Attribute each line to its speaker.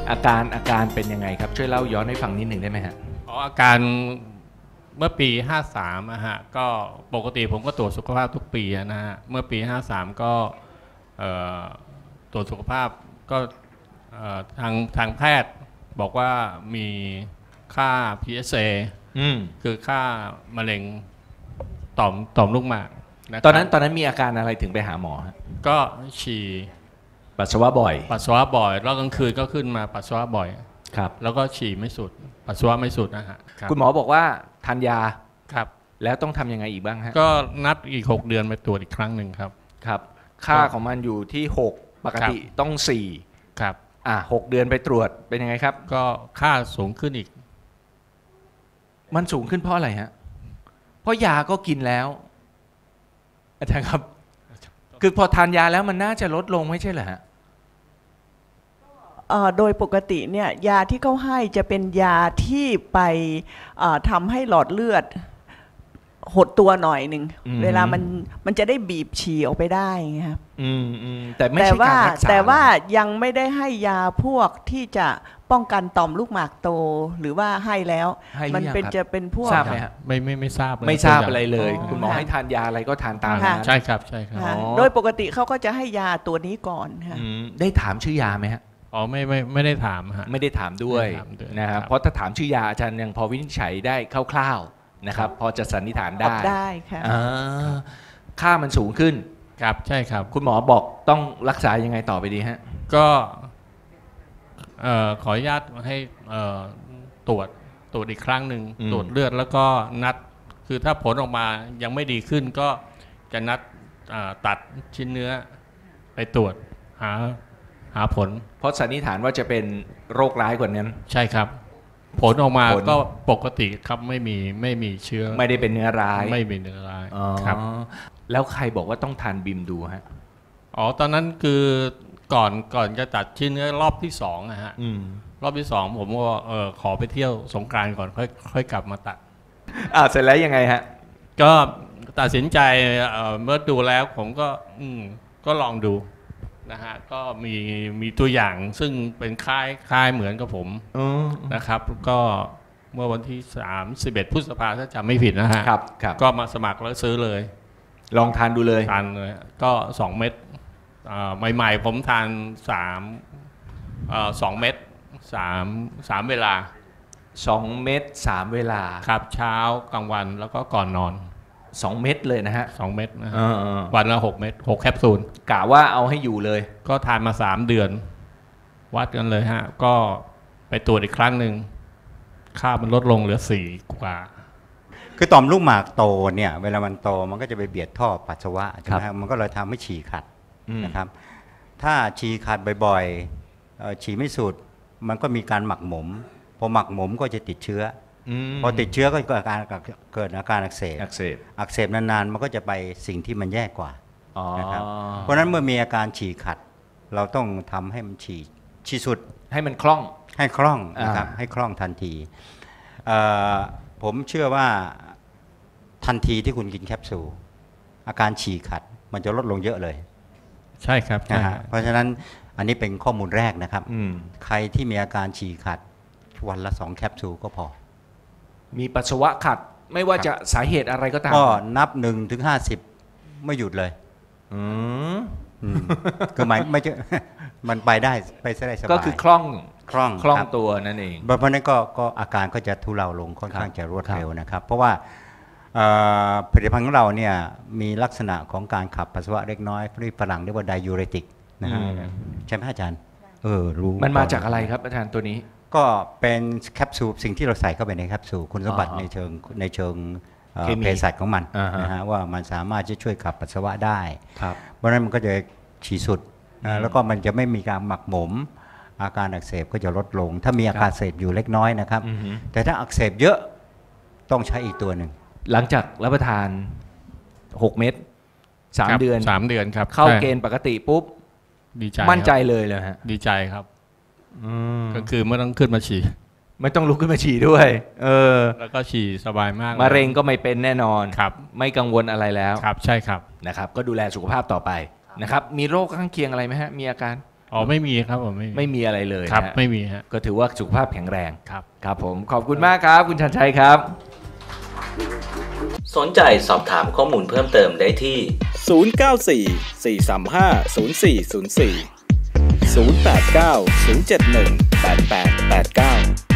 Speaker 1: อาการเป็นยังไงครับช่วยเล่าย้อนให้ฟังนิดหนึ่งได้ไหมฮะ
Speaker 2: อาการเมื่อปี53อะฮะก็ปกติผมก็ตรวจสุขภาพทุกปีนะฮะเมื่อปี53ก็ตรวจสุขภาพก็ทางแพทย์บอกว่ามีค่า PSA คือค่ามะเร็งต่อมลูกหมากนะ
Speaker 1: ตอนนั้นมีอาการอะไรถึงไปหาหมอฮะ
Speaker 2: ก็ฉี่
Speaker 1: ปัสสาวะบ่อย
Speaker 2: แล้วกลางคืนก็ขึ้นมาปัสสาวะบ่อย
Speaker 1: ครับ
Speaker 2: แล้วก็ฉี่ไม่สุดปัสสาวะไม่สุดนะฮะ
Speaker 1: คุณหมอบอกว่าทานยา
Speaker 2: ครับ
Speaker 1: แล้วต้องทำยังไงอีกบ้างฮะ
Speaker 2: ก็นัดอีก6 เดือนไปตรวจอีกครั้งหนึ่งครับ
Speaker 1: ครับค่าของมันอยู่ที่6ปกติต้อง4
Speaker 2: ครับ
Speaker 1: 6 เดือนไปตรวจเป็นยังไงครับ
Speaker 2: ก็ค่าสูงขึ้นอีก
Speaker 1: มันสูงขึ้นเพราะอะไรฮะเพราะยาก็กินแล้วอาจารย์ครับคือพอทานยาแล้วมันน่าจะลดลงไม่ใช่เหรอฮะ
Speaker 3: โดยปกติเนี่ยยาที่เขาให้จะเป็นยาที่ไปทำให้หลอดเลือดหดตัวหน่อยหนึ่งเวลามันจะได้บีบฉี่ออกไปได้ครับ
Speaker 1: แต่ไม่ใช่การรักษา
Speaker 3: แต่ว่ายังไม่ได้ให้ยาพวกที่จะป้องกันต่อมลูกหมากโตหรือว่าให้แล้วมันจะเป็นพวก
Speaker 1: ทราบไหมฮะ
Speaker 2: ไม่ทราบ
Speaker 1: ไม่ทราบอะไรเลยคุณหมอให้ทานยาอะไรก็ทานตามนั้น
Speaker 2: ใช่ครับ
Speaker 3: โดยปกติเขาก็จะให้ยาตัวนี้ก่อนค่ะ
Speaker 1: ได้ถามชื่อยาไหมฮะ
Speaker 2: ไม่ได้ถามฮะ
Speaker 1: ไม่ได้ถามด้วยนะครับเพราะถ้าถามชื่อยาอาจารย์ยังพอวินิจฉัยได้คร่าวๆนะครับพอจะสันนิษฐาน
Speaker 3: ได้ค่ะ
Speaker 1: ค่ามันสูงขึ้น
Speaker 2: ครับใช่ครับ
Speaker 1: คุณหมอบอกต้องรักษายังไงต่อไปดีฮะ
Speaker 2: ก็ขออนุญาตให้ตรวจอีกครั้งหนึ่งตรวจเลือดแล้วก็นัดคือถ้าผลออกมายังไม่ดีขึ้นก็จะนัดตัดชิ้นเนื้อไปตรวจหาผล
Speaker 1: เพราะสันนิษฐานว่าจะเป็นโรคร้ายกว่านั้น
Speaker 2: ใช่ครับผลออกมาก็ปกติครับไม่มีเชื้อ
Speaker 1: ไม่ได้เป็นเนื้อร้าย
Speaker 2: ไม่มีเนื้อร้ายครับ
Speaker 1: แล้วใครบอกว่าต้องทานบิมดูฮะ
Speaker 2: ตอนนั้นคือก่อนจะตัดชิ้นเนื้อรอบที่2นะฮะรอบที่2ผมก็ขอไปเที่ยวสงกรานต์ก่อนค่อยกลับมาตัด
Speaker 1: เสร็จแล้วยังไงฮะ
Speaker 2: ก็ตัดสินใจเมื่อดูแล้วผมก็ลองดูนะฮะก็มีตัวอย่างซึ่งเป็นคล้ายเหมือนกับผมนะครับก็เมื่อวันที่31 พฤษภาคมถ้าจำไม่ผิดนะฮะก็มาสมัครแล้วซื้อเลย
Speaker 1: ลองทานดูเลย
Speaker 2: ทานเลยก็2 เม็ดใหม่ๆผมทาน2 เม็ด3 เวลา
Speaker 1: 2 เม็ด3 เวลา
Speaker 2: ครับเช้ากลางวันแล้วก็ก่อนนอน
Speaker 1: 2 เม็ดเลยนะฮะ
Speaker 2: 2 เม็ดนะฮะวันละ6 เม็ด6 แคปซูล
Speaker 1: กะว่าเอาให้อยู่เลย
Speaker 2: ก็ทานมา3 เดือนวัดกันเลยฮะก็ไปตรวจอีกครั้งหนึ่งค่ามันลดลงเหลือ4 กว่า
Speaker 4: คือต่อมลูกหมากโตเนี่ยเวลามันโตมันก็จะไปเบียดท่อปัสสาวะใช่ไหมครับมันก็เลยทำให้ฉี่ขัดนะครับถ้าฉี่ขัดบ่อยๆฉี่ไม่สุดมันก็มีการหมักหมมพอหมักหมมก็จะติดเชื้อพอติดเชื้อก็เกิดอาการอักเสบนานๆมันก็จะไปสิ่งที่มันแย่กว่านะครับเพราะฉะนั้นเมื่อมีอาการฉี่ขัดเราต้องทำให้มันฉี่สุด
Speaker 1: ให้มันคล่อง
Speaker 4: นะครับให้คล่องทันทีผมเชื่อว่าทันทีที่คุณกินแคปซูลอาการฉี่ขัดมันจะลดลงเยอะเลย
Speaker 2: ใช่ครับ
Speaker 4: เพราะฉะนั้นอันนี้เป็นข้อมูลแรกนะครับใครที่มีอาการฉี่ขัดวันละ2 แคปซูลก็พอ
Speaker 1: มีปัสสาวะขัดไม่ว่าจะสาเหตุอะไรก็ตาม
Speaker 4: ก็นับ1 ถึง 50ไม่หยุดเลยคือไม่มันไปได้สบาย
Speaker 1: ก็คือคล่องตัวนั่นเอง
Speaker 4: เพราะนั้นก็อาการก็จะทุเลาลงค่อนข้างจะรวดเร็วนะครับเพราะว่าผลิตภัณฑ์ของเราเนี่ยมีลักษณะของการขับปัสสาวะเล็กน้อยที่ฝรั่งเรียกว่าไดยูเรติกนะฮะใช่ไหมอาจารย์
Speaker 1: รู้มันมาจากอะไรครับอาจารย์ตัวนี้
Speaker 4: ก็เป็นแคปซูลสิ่งที่เราใส่เข้าไปในแคปซูลคุณสมบัติในเชิงเภสัชของมันนะฮะว่ามันสามารถจะช่วยขับปัสสาวะได้เพราะฉะนั้นมันก็จะฉี่สุดแล้วก็มันจะไม่มีการหมักหมมอาการอักเสบก็จะลดลงถ้ามีอาการอักเสบอยู่เล็กน้อยนะครับแต่ถ้าอักเสบเยอะต้องใช้อีกตัวหนึ่ง
Speaker 1: หลังจากรับประทาน6 เม็ด3 เดื
Speaker 2: อนครับ
Speaker 1: เข้าเกณฑ์ปกติปุ๊บ
Speaker 2: ดีใจ
Speaker 1: มั่นใจเลยฮะ
Speaker 2: ดีใจครับก็คือไม่ต้องขึ้นมาฉี่
Speaker 1: ไม่ต้องลุกขึ้นมาฉี่ด้วย
Speaker 2: แล้วก็ฉี่สบายมาก
Speaker 1: มะเร็งก็ไม่เป็นแน่นอน
Speaker 2: ครับ
Speaker 1: ไม่กังวลอะไรแล้ว
Speaker 2: ครับใช่ครับ
Speaker 1: นะครับก็ดูแลสุขภาพต่อไปนะครับมีโรคข้างเคียงอะไรไหมฮะมีอาการ
Speaker 2: อ๋อไม่มีครับผม
Speaker 1: ไม่มีอะไรเลย
Speaker 2: ครับ
Speaker 1: นะ
Speaker 2: ไม่มีฮะ
Speaker 1: ก็ถือว่าสุขภาพแข็งแรง
Speaker 2: ครับ
Speaker 1: ครับผมขอบคุณมากครับคุณชันชัยครับ
Speaker 5: สนใจสอบถามข้อมูลเพิ่มเติมได้ที่
Speaker 6: 094 435 0404 089 071 8889